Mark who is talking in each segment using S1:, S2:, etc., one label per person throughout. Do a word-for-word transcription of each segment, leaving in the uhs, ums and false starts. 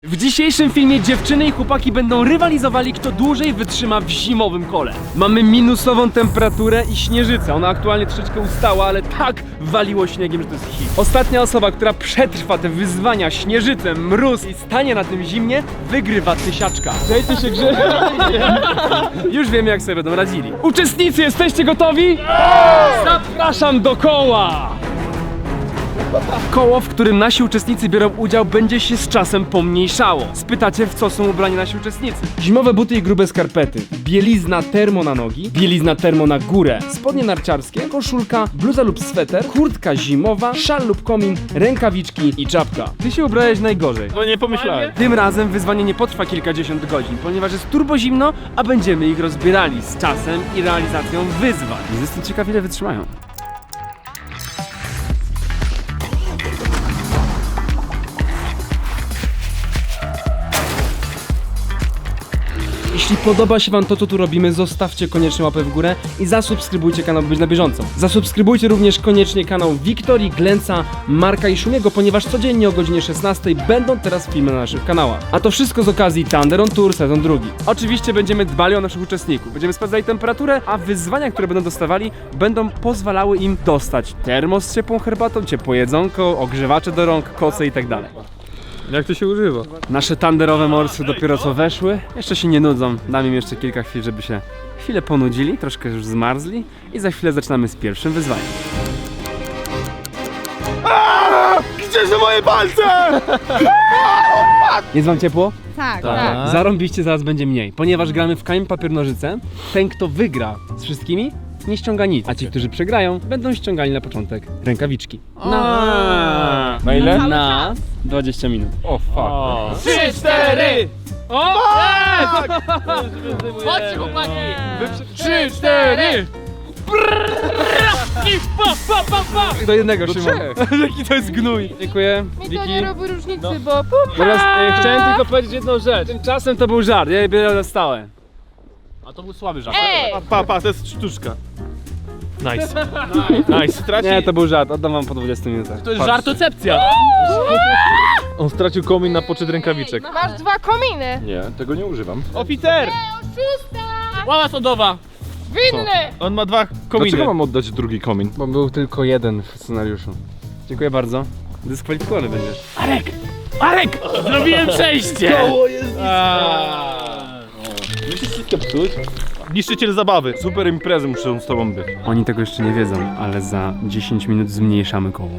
S1: W dzisiejszym filmie dziewczyny i chłopaki będą rywalizowali, kto dłużej wytrzyma w zimowym kole. Mamy minusową temperaturę i śnieżycę. Ona aktualnie troszeczkę ustała, ale tak waliło śniegiem, że to jest hit. Ostatnia osoba, która przetrwa te wyzwania, śnieżycę, mróz i stanie na tym zimnie, wygrywa tysiaczka. Dajcie się grze. Już wiemy, jak sobie będą radzili. Uczestnicy, jesteście gotowi? Zapraszam do koła! Koło, w którym nasi uczestnicy biorą udział, będzie się z czasem pomniejszało. Spytacie, w co są ubrani nasi uczestnicy. Zimowe buty i grube skarpety, bielizna termo na nogi, bielizna termo na górę, spodnie narciarskie, koszulka, bluza lub sweter, kurtka zimowa, szal lub komin, rękawiczki i czapka. Ty się ubrałeś najgorzej.
S2: No nie pomyślałem.
S1: Tym razem wyzwanie nie potrwa kilkadziesiąt godzin, ponieważ jest turbo zimno, a będziemy ich rozbierali z czasem i realizacją wyzwań. Jestem ciekaw, ile wytrzymają. Jeśli podoba się wam to, co tu robimy, zostawcie koniecznie łapę w górę i zasubskrybujcie kanał, by być na bieżąco. Zasubskrybujcie również koniecznie kanał Wiktorii, Glenca, Marka i Szumiego, ponieważ codziennie o godzinie szesnastej będą teraz filmy na naszych kanałach. A to wszystko z okazji Thunder on Tour sezon drugi. Oczywiście będziemy dbali o naszych uczestników, będziemy sprawdzali temperaturę, a wyzwania, które będą dostawali, będą pozwalały im dostać termos z ciepłą herbatą, ciepłe jedzonko, ogrzewacze do rąk, koce i tak dalej.
S2: Jak to się używa?
S1: Nasze tanderowe morsy dopiero co weszły. Jeszcze się nie nudzą. Dam im jeszcze kilka chwil, żeby się chwilę ponudzili, troszkę już zmarzli i za chwilę zaczynamy z pierwszym wyzwaniem.
S2: Gdzie są moje palce?
S1: Jest wam ciepło?
S3: Tak,
S2: Tak.
S3: tak.
S1: Zarąbiście zaraz będzie mniej, ponieważ gramy w kamień, papier, nożyce. Ten, kto wygra z wszystkimi, nie ściąga nic, a ci, którzy przegrają, będą ściągali na początek rękawiczki. Na,
S2: Na ile?
S1: Na dwadzieścia minut.
S2: O fuck.
S1: Trzy, cztery! O!
S4: Chodźcie, chłopaki!
S1: Trzy, cztery!
S4: I pa, pa, pa, pa!
S1: Do jednego,
S2: Do
S1: Szymon. Jaki to jest gnój. Dziękuję.
S3: Mi to
S1: Wiki.
S3: nie robi różnicy,
S2: No.
S3: bo pum,
S1: Teraz e, chciałem tylko powiedzieć jedną rzecz. Tymczasem to był żart, ja je biorę na stałe.
S4: A to był słaby żart.
S3: Ej!
S2: Pa, pa, to jest sztuczka. Nice. Nice. Straci...
S1: Nie, to był żart, oddam wam po dwudziestu minutach.
S4: To jest żartocepcja.
S2: On stracił komin na poczet rękawiczek.
S3: masz dwa kominy.
S2: Nie, tego nie używam. Oficer!
S3: Oszusta!
S4: Ława sądowa.
S3: Winny!
S2: On ma dwa kominy.
S5: Dlaczego mam oddać drugi komin?
S1: Bo był tylko jeden w scenariuszu. Dziękuję bardzo. Dyskwalifikowany będziesz.
S4: Arek! Arek! Zrobiłem przejście!
S2: Koło jest
S5: Musisz wszystko psuć.
S2: Niszczyciel zabawy. Super imprezy muszą z tobą być.
S1: Oni tego jeszcze nie wiedzą, ale za dziesięć minut zmniejszamy koło.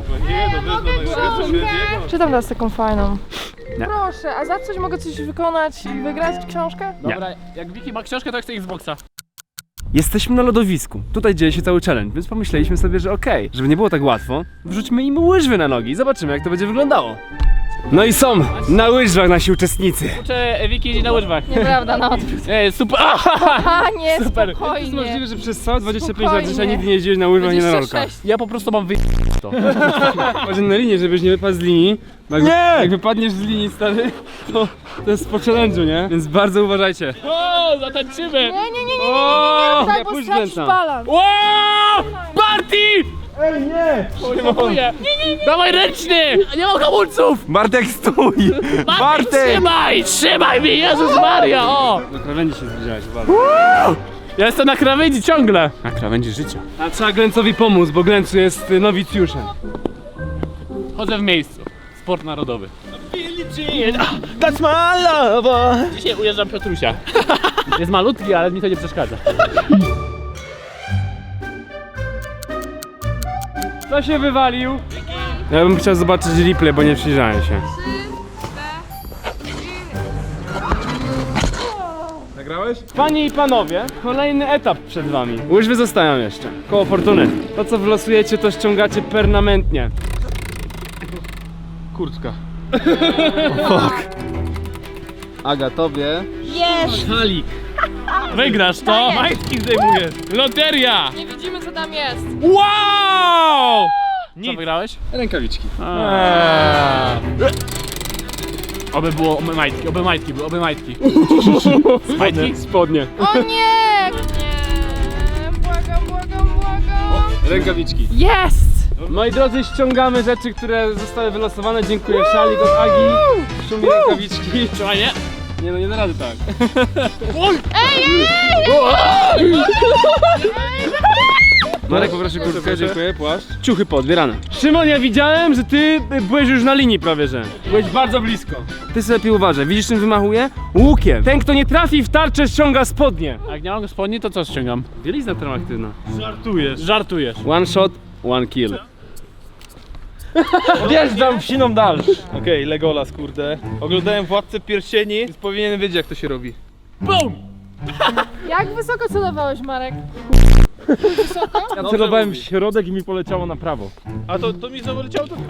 S3: Czytam teraz taką fajną.
S1: Nie.
S3: Proszę, a za coś mogę coś wykonać i wygrać książkę?
S4: Dobra, jak Wiki ma książkę, to ja chcę Xboxa.
S1: Jesteśmy na lodowisku. Tutaj dzieje się cały challenge, więc pomyśleliśmy sobie, że okej, żeby nie było tak łatwo, wrzućmy im łyżwy na nogi i zobaczymy, jak to będzie wyglądało. No i są na łyżwach nasi uczestnicy.
S4: Czy Wiki jedzie na łyżwach?
S3: Nieprawda, na odwrót.
S4: Ej, super!
S3: A nie,
S4: Super.
S1: To jest
S3: spokojnie.
S1: możliwe, że przez całe dwadzieścia pięć lat
S3: Spokojnie.
S1: życia nigdy nie jeździłeś na łyżwach, nie na rolkach.
S3: dwadzieścia sześć.
S4: Ja po prostu mam wy... to.
S1: Chodź na linię, żebyś nie wypadł z linii. Bo jak,
S2: Nie!
S1: jak wypadniesz z linii, stary, to, to jest po challenge'u, nie? Więc bardzo uważajcie.
S4: O, zatańczymy!
S3: Nie, nie, nie, nie, nie,
S1: O,
S3: nie, tak,
S1: nie,
S3: bo
S1: pójdź
S3: stracisz
S1: Glęca.
S3: balans.
S4: Wow! Party! Ej, nie! Nie, nie, nie! Dawaj ręczny! Nie mam hamulców!
S2: Bartek, stój!
S4: Bartek, trzymaj! Trzymaj mnie, Jezus Maria! O!
S1: Do krawędzi się zbliżałeś, uważaj.
S4: Ja jestem na krawędzi ciągle!
S1: Na krawędzi życia. A trzeba Glęcowi pomóc, bo Glęcu jest y, nowicjuszem.
S4: Chodzę w miejscu. Sport narodowy.
S2: That's my love!
S4: Dzisiaj ujeżdżam Piotrusia. Jest malutki, ale mi to nie przeszkadza.
S1: Kto się wywalił? Ja bym chciał zobaczyć replay, bo nie przyjrzałem się.
S2: Nagrałeś?
S1: Panie i panowie, kolejny etap przed wami. Łyżwy zostają jeszcze. Koło fortuny. To co wylosujecie, to ściągacie permanentnie.
S2: Kurtka.
S1: Aga, tobie.
S3: Jest!
S4: Szalik. Wygrasz to? Majtki zdejmujesz. Loteria!
S3: Nie widzimy, co tam jest.
S4: Wow! Co wygrałeś?
S1: Rękawiczki.
S4: Oby było oby majtki, oby majtki, były, oby majtki. Majtki?
S1: Spodnie.
S3: O nie! Nie! Błagam, błagam, błagam.
S1: Rękawiczki.
S3: Jest!
S1: Moi drodzy, ściągamy rzeczy, które zostały wylosowane. Dziękuję. Szalik od Agi, Szumi rękawiczki.
S4: Trzymaj, nie?
S1: Nie no, nie da rady tak. Marek, poproszę kurtkę, dziękuję, płaszcz. Ciuchy poodbierane. Szymon, ja widziałem, że ty byłeś już na linii prawie, że. Byłeś bardzo blisko. Ty sobie lepiej uważaj, widzisz czym wymachuje? Łukiem. Ten, kto nie trafi w tarczę, ściąga spodnie.
S4: A jak nie mam spodni, to co ściągam?
S1: Bielizna termoaktywna.
S2: Żartujesz.
S4: Żartujesz.
S1: One shot, one kill.
S2: Wjeżdżam w siną dal. Okej, okay, Legolas, kurde. Oglądałem Władcę Pierścieni, więc powinienem wiedzieć, jak to się robi.
S4: BUM!
S3: Jak wysoko celowałeś, Marek?
S2: Ja celowałem w środek i mi poleciało na prawo. A to, to mi znowu leciało to...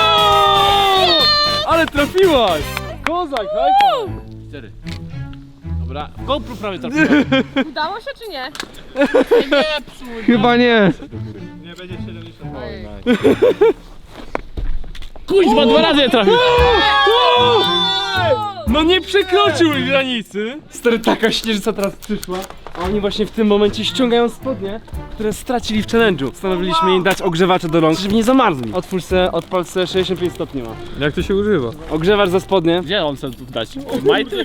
S1: Ale trafiłaś! Kozak, hajpa!
S4: Cztery. Dobra, w GoPro prawie trafiłem.
S3: Udało się czy nie?
S1: Chyba nie.
S2: Nie będzie siedemdziesiąt.
S4: Kuźma, dwa razy je trafił.
S1: No nie przekroczył granicy! Stary, taka śnieżyca teraz przyszła, a oni właśnie w tym momencie ściągają spodnie, które stracili w challenge'u. Stanowiliśmy im dać ogrzewacze do rąk, żeby nie zamarzli. Otwórz se, odpal se, sześćdziesiąt pięć stopni ma.
S2: Jak to się używa?
S1: Ogrzewacz za spodnie.
S4: Gdzie on chce tu dać? Majty?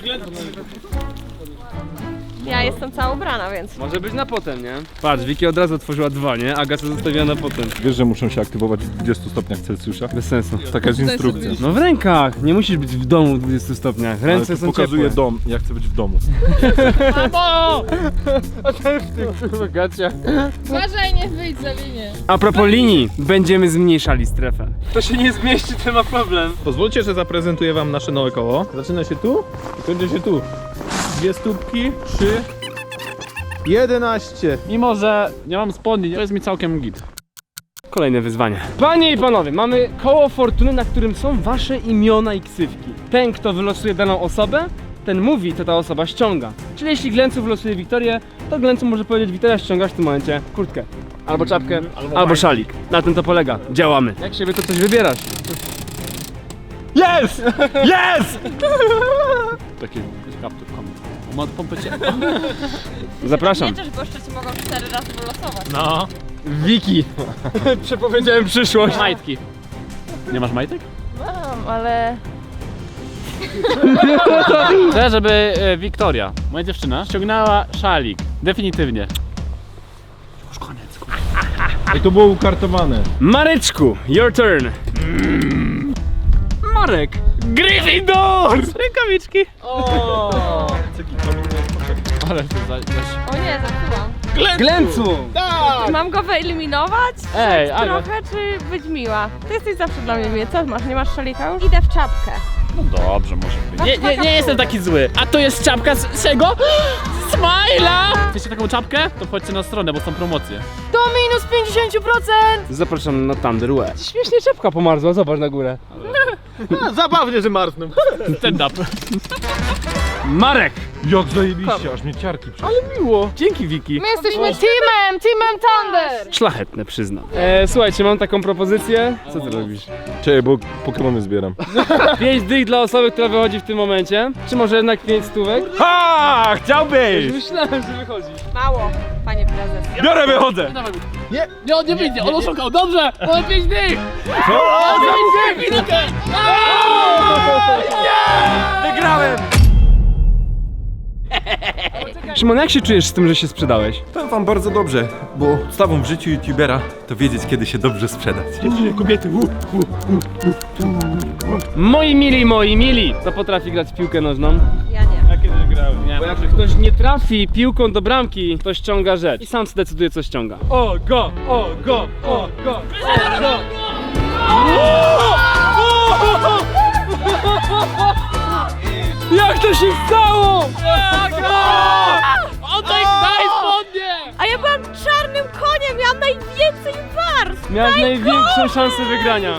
S6: Ja jestem cała ubrana, więc.
S1: Może być na potem, nie? Patrz, Wiki od razu otworzyła dwa, nie? Aga co zostawiła na potem.
S5: Wiesz, że muszą się aktywować w dwudziestu stopniach Celsjusza?
S1: Bez sensu.
S5: Taka jest instrukcja.
S1: No w rękach! Nie musisz być w domu w dwudziestu stopniach.
S5: Ale
S1: Ręce
S5: to
S1: są
S5: pokazuje
S1: ciepłe.
S5: dom, ja chcę być w domu.
S4: Mamo!
S3: Uważaj, nie wyjdź za linię.
S1: A propos linii, będziemy zmniejszali strefę. To się nie zmieści, to ma problem.
S2: Pozwólcie, że zaprezentuję wam nasze nowe koło. Zaczyna się tu i kończy się tu. Dwie stópki, trzy... jedenaście.
S4: Mimo, że nie mam spodni, to jest mi całkiem git.
S1: Kolejne wyzwanie. Panie i panowie, mamy koło fortuny, na którym są wasze imiona i ksywki. Ten, kto wylosuje daną osobę, ten mówi, to ta osoba ściąga. Czyli jeśli Glencu wylosuje Wiktorię, to Glencu może powiedzieć: Wiktoria, ściągasz w tym momencie kurtkę, albo czapkę, albo, albo szalik. Na tym to polega. Działamy. Jak siebie to coś wybierasz.
S2: Jest! Jest!
S4: Taki kaptur, komik. Ma pompę cię.
S1: Zapraszam.
S6: Wiecie, że goście ci mogą cztery razy wylosować.
S4: No.
S1: Wiki. Przepowiedziałem przyszłość.
S4: Majtki. Nie masz majtek?
S3: Mam, ale...
S4: Chcę, żeby e, Wiktoria, moja dziewczyna, ściągnęła szalik. Definitywnie. Już koniec.
S2: I to było ukartowane.
S1: Mareczku, your turn. Marek.
S4: Gryffindor! Rękawiczki. Ale to za... za...
S6: O nie, zepsułam.
S1: Glencu.
S6: Mam go wyeliminować?
S4: Ej,
S6: Czy
S4: Aga.
S6: trochę, czy być miła? Ty jesteś zawsze dla mnie miły. Co masz? Nie masz szalika już? Idę w czapkę.
S4: No dobrze, może być. Nie, nie, nie jestem taki zły. A to jest czapka z czego? Smajla! Chcecie taką czapkę? To wchodźcie na stronę, bo są promocje.
S3: Do minus pięćdziesiąt procent!
S1: Zapraszam na Thunderwear. Śmiesznie czepka pomarzła, zobacz na górę.
S2: A, zabawnie, że marzną.
S4: Stand up.
S1: Marek!
S5: Jak zajebiście, aż mnie ciarki przyszły.
S1: Miło. Dzięki, Wiki.
S3: My jesteśmy teamem! Teamem Thunder!
S1: Szlachetne, przyznam. E, słuchajcie, mam taką propozycję. Co ty robisz?
S5: Czekaj, bo Pokemony zbieram.
S1: Pięć dych dla osoby, która wychodzi w tym momencie. Czy może jednak pięć stówek?
S2: Ha! Chciałbyś!
S1: Myślałem, że wychodzi.
S6: Mało, panie prezes.
S2: Biorę, wychodzę!
S4: Nie, nie, on nie wyjdzie, on oszukał, dobrze! Mamy pięć dych! Co? pięć dych, minutę!
S2: Wygrałem!
S1: Szymon, jak się czujesz z tym, że się sprzedałeś?
S7: Powiem wam bardzo dobrze, bo podstawą w życiu youtubera to wiedzieć, kiedy się dobrze sprzedać.
S2: Kobiety, u,
S1: Moi mili, moi mili! Kto potrafi grać w piłkę nożną?
S6: Ja nie.
S2: Ja kiedyś grałem. Nie,
S1: Bo jak ktoś nie trafi piłką do bramki, to ściąga rzecz. I sam zdecyduje, co ściąga.
S2: O, go, o, go, o, go, o, go!
S1: Jak to się stało?
S4: Oddaj, daj spodnie!
S6: A ja byłam czarnym koniem, miałam najwięcej warstw!
S1: Miałeś największą szansę wygrania.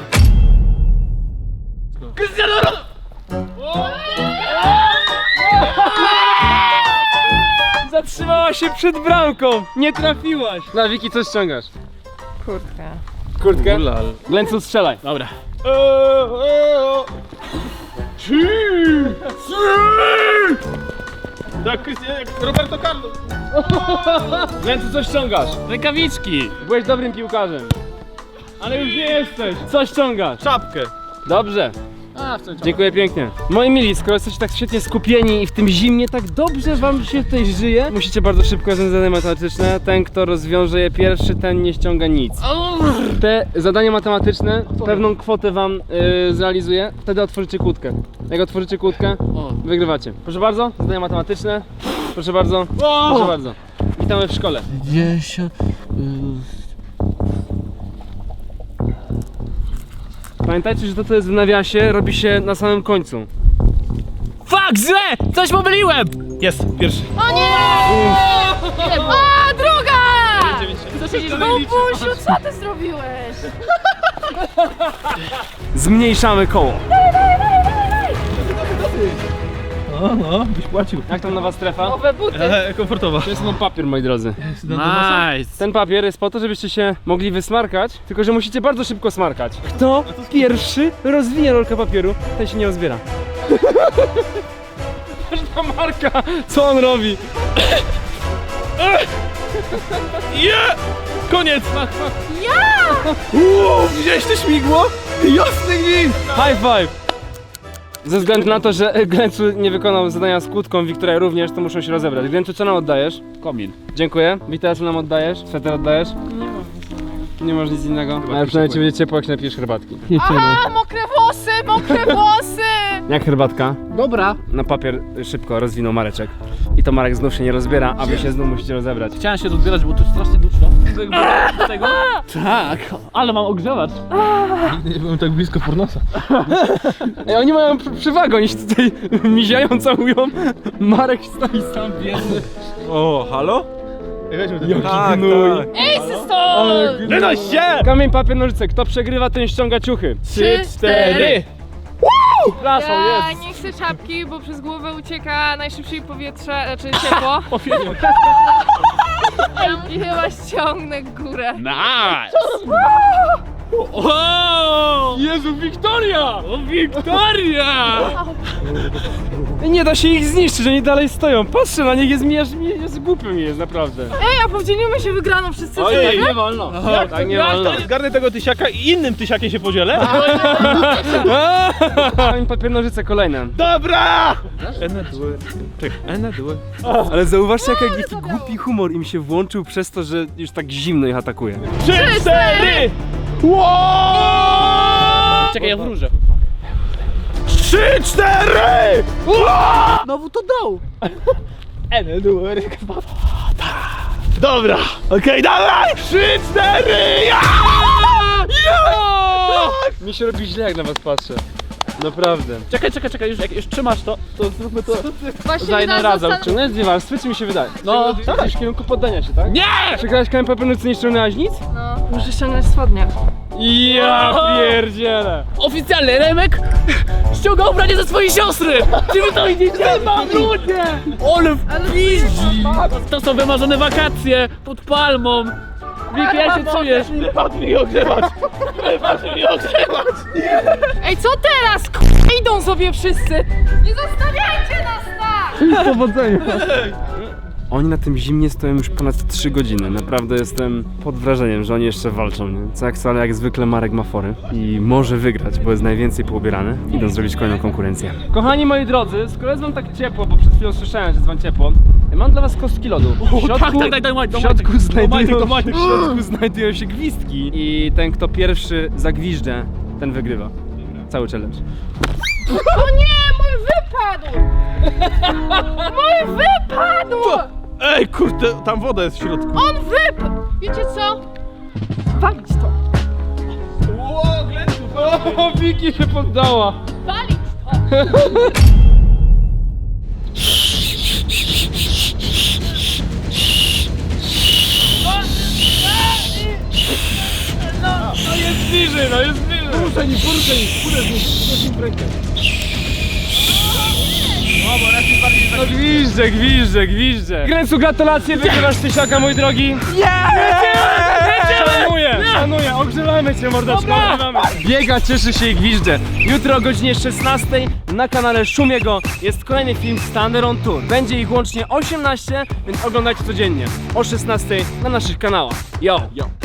S1: Zatrzymała się przed bramką. Nie trafiłaś. Na Wiki, co ściągasz?
S3: Kurtka.
S1: Kurtkę? Glencu, strzelaj.
S4: Dobra.
S2: Tak, Krystian, jak Roberto Carlos.
S1: Glencu, co ściągasz?
S4: Rękawiczki.
S1: Byłeś dobrym piłkarzem. Ale już nie jesteś. Co ściągasz?
S2: Czapkę.
S1: Dobrze.
S4: A, w tym
S1: Dziękuję pięknie. Moi mili, skoro jesteście tak świetnie skupieni i w tym zimnie tak dobrze wam się tutaj żyje, musicie bardzo szybko rozwiązać zadania matematyczne. Ten, kto rozwiąże je pierwszy, ten nie ściąga nic. Te zadania matematyczne pewną kwotę wam yy, zrealizuje, wtedy otworzycie kłódkę. Jak otworzycie kłódkę, wygrywacie. Proszę bardzo, zadania matematyczne. Proszę bardzo, proszę bardzo. Witamy w szkole. Pamiętajcie, że to, co jest w nawiasie, robi się na samym końcu.
S4: Fuck, źle! Coś pomyliłem!
S2: Jest, pierwszy.
S3: O nie! A, druga! Bubusiu, co ty zrobiłeś?
S1: Zmniejszamy koło.
S2: No, no, byś płacił.
S1: Jak tam nowa strefa?
S3: Nowe buty.
S2: E, komfortowa.
S1: To jest mam papier, moi drodzy.
S4: Nice!
S1: Ten papier jest po to, żebyście się mogli wysmarkać, tylko że musicie bardzo szybko smarkać. Kto pierwszy rozwinie rolkę papieru, ten się nie rozbiera. Ta Marka, co on robi?
S2: Yeah! Koniec! Uuu, widziałeś to śmigło? Jasny gwint!
S1: High five! Ze względu na to, że Glencu nie wykonał zadania z kłódką, Wiktoria również, to muszą się rozebrać. Glencu, co nam oddajesz?
S4: Komin.
S1: Dziękuję. Wiktoria, co nam oddajesz? Sweter oddajesz? Nie mam nic innego. Nie masz nic innego? Ale przynajmniej ci będzie ciepło, jak napijesz herbatki.
S3: Aha, mokre włosy, mokre włosy!
S1: Jak herbatka?
S4: Dobra.
S1: Na papier szybko rozwinął Mareczek. I to Marek znów się nie rozbiera, a wy się znów musicie rozebrać.
S4: Chciałem się rozbierać, bo tu strasznie duszno. Do tego? Tak, ale mam ogrzewacz.
S2: Nie byłem tak blisko pornosa.
S1: Ej, oni mają pr- przewagę, oni się tutaj miziają, całują. Marek stoi sam biedny.
S5: O, halo?
S2: Weźmy ten.
S1: Jaki
S5: Tak,
S1: gnój.
S5: tak.
S3: Ej, stąd!
S2: Wynoś się!
S1: Kamień, papier, nożyce. Kto przegrywa, ten ściąga ciuchy.
S3: Trzy, cztery.
S1: Przepraszam,
S3: Ja
S1: jest.
S3: nie chcę czapki, bo przez głowę ucieka najszybciej powietrze, znaczy ciepło. I chyba ściągnę górę.
S4: Nice! O!
S1: Jezu, Wiktoria!
S4: O, Wiktoria!
S1: Nie da się ich zniszczyć, oni dalej stoją. Patrzę na nich, jest mi aż mi jest głupio mi jest, naprawdę.
S3: Ej, a podzielimy się wygraną wszyscy co
S1: Ojej,
S3: tak?
S1: nie wolno. Tak nie wolno.
S2: Zgarnę tego tysiaka i innym tysiakiem się podzielę.
S1: Kamień, papier, nożyce, kolejne.
S2: Dobra! Ene dły. Czekaj, ene dły.
S1: Ale zauważcie, jak jaki głupi humor im się włączył przez to, że już tak zimno ich atakuje.
S2: Trzy, cztery! Wow!
S4: Czekaj, ja wróżę.
S2: Trzy, cztery!
S4: Znowu to dał.
S2: Ene dły. Dobra, okej, dawaj! Trzy, cztery! Ja!
S1: Mi się robi źle, jak na was patrzę. Naprawdę.
S4: Czekaj, czekaj, czekaj, już jak już trzymasz to, to zróbmy to.
S3: Właśnie
S1: Za jedną
S3: mi
S1: razem.
S3: zastanów-
S1: Ciągnąłeś dwie warstwy, czy mi się wydaje?
S4: No,
S1: tak. W kierunku poddania się, tak?
S4: Nie!
S1: Przegrałeś kamień, papier, nożyce, nie ściągnęłaś nic?
S3: No, muszę ściągnąć spodnie.
S1: Ja pierdzielę.
S4: Oficjalny Remek ściąga ubranie ze swojej siostry! Czy wy to widzicie? Mam ludzie! Ole wpiździ! To są wymarzone wakacje pod palmą. Wiki, jak się czujesz?
S2: Patrz mi ogrzewacz! Patrz mi ogrzewacz!
S3: Ej, co teraz? K***, idą sobie wszyscy! Nie zostawiajcie nas tak!
S1: Powodzenia. Oni na tym zimnie stoją już ponad trzy godziny. Naprawdę jestem pod wrażeniem, że oni jeszcze walczą, nie? Co jak wcale, jak zwykle Marek ma fory i może wygrać, bo jest najwięcej poubierany. Idą zrobić kolejną konkurencję. Kochani moi drodzy, skoro jest wam tak ciepło, bo przed chwilą słyszałem, że jest wam ciepło, mam dla was kostki lodu. W środku,
S4: tak, tak, tak, daj, daj,
S1: w
S4: daj,
S1: środku,
S4: daj,
S1: znajdują,
S4: daj, daj, daj.
S1: w środku znajdują się gwizdki i ten, kto pierwszy zagwiżdże, ten wygrywa. Cały challenge.
S3: O nie, mój wypadł! Mój wypadł!
S2: Ej, kurde, tam woda jest w środku.
S3: On wypadł! Wiecie co? Walić to!
S1: O, Wiki się poddała.
S3: Walić to!
S1: Jest bliżej, no jest bliżej. Poruszaj mi, poruszaj mi, poruszaj mi, poruszaj mi w rękę. No gwizdże, gwizdże, gwizdże. Grencu, gratulacje, wygrywasz tysiaka, mój drogi. Szanuję, szanuję, ogrzewamy cię, mordeczko, ogrzewamy. Biega, cieszy się i gwizdże. Jutro o godzinie szesnastej na kanale Szumiego jest kolejny film Standard on Tour. Będzie ich łącznie osiemnaście, więc oglądajcie codziennie o szesnastej na naszych kanałach. Yo! Yo!